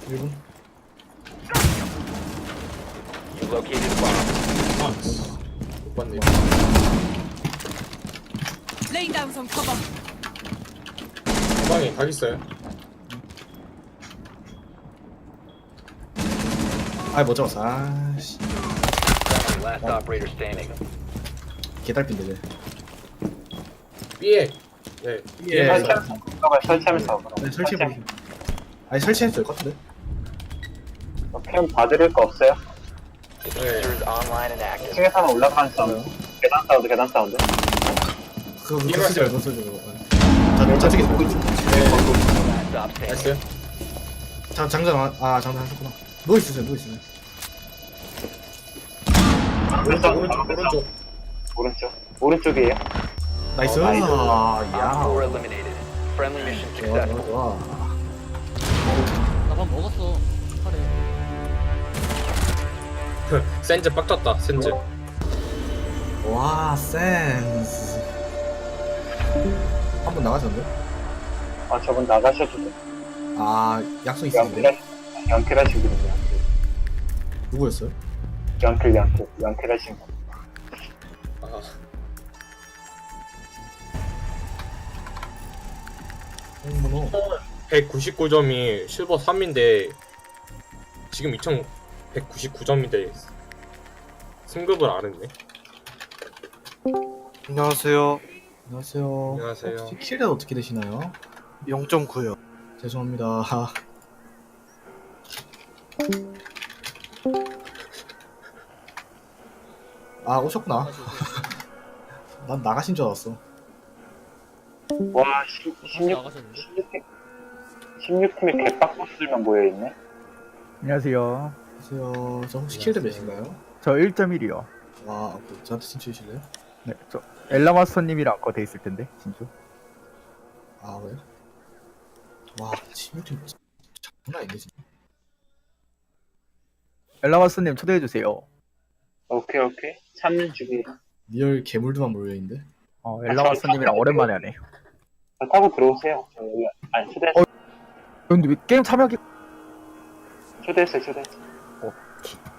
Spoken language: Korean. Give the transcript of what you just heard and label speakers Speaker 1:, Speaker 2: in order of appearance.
Speaker 1: 1분.
Speaker 2: You located a bomb.
Speaker 1: 아, 못 봤네.
Speaker 3: Laying down some cover.
Speaker 1: 방에 각 있어요. 아, 못 잡았어. 아씨.
Speaker 2: Last operator standing.
Speaker 1: 개달핀데.
Speaker 4: B에 네
Speaker 1: 예.
Speaker 5: 설치하면서
Speaker 1: 네, 설치해보세요. 아니, 설치했어요, 컷인데.
Speaker 5: 캠 봐드릴 거 없어요?
Speaker 2: Diffuser is online and active.
Speaker 5: 층에서는 올라가는 사운드 계단 사운드
Speaker 1: 그거 쓰지 말고 쓰지 말고. 저쪽에 있어요.
Speaker 2: Last stop standing.
Speaker 4: 나이스.
Speaker 1: 장전 장전 하셨구나. 누워있으세요, 누워있으세요.
Speaker 5: 오른쪽이에요.
Speaker 1: 나이스.
Speaker 5: 나이스.
Speaker 2: Op 4 eliminated. Friendly mission
Speaker 1: 좋아,
Speaker 2: successful.
Speaker 1: 좋아.
Speaker 6: 나밥 먹었어. 카레.
Speaker 4: 센즈 빡쳤다. 센즈.
Speaker 1: 와, 센스. 한 번 나가셨는데?
Speaker 5: 아 저분 나가셔도 돼.
Speaker 1: 아, 약속 있으신데?
Speaker 5: 연킬 하신 분이요.
Speaker 1: 누구였어요?
Speaker 5: 연킬 하신 분.
Speaker 4: 아,
Speaker 1: 홍문호.
Speaker 4: 199점이 실버 3인데 지금 2199점인데 승급을 안 했네.
Speaker 7: 안녕하세요.
Speaker 1: 안녕하세요.
Speaker 4: 안녕하세요.
Speaker 1: 혹시 킬은 어떻게 되시나요?
Speaker 7: 0.9요.
Speaker 1: 죄송합니다. 아, 오셨구나. 난 나가신 줄 알았어.
Speaker 5: 와
Speaker 6: 나가셨는데?
Speaker 5: 16팀에 개빡버스들만 모여있네.
Speaker 8: 안녕하세요.
Speaker 1: 안녕하세요. 저 혹시 킬드 몇인가요?
Speaker 8: 저 1.1이요.
Speaker 1: 와, 저한테 친추해주실래요?
Speaker 8: 네, 저 엘라마스터님이랑 거 돼 있을 텐데, 진짜.
Speaker 1: 아, 왜요? 와, 16팀 장난 아닌데, 진짜.
Speaker 8: 엘라마스터님 초대해 주세요.
Speaker 5: 오케이. 참는 주기.
Speaker 1: 리얼 괴물들만 몰려있는데?
Speaker 8: 엘라마스터님이랑 오랜만에 하네.
Speaker 5: 타고 들어오세요. 아니 초대했어요.
Speaker 8: 근데 왜 게임 참여하기?
Speaker 5: 초대했어요.
Speaker 8: 어,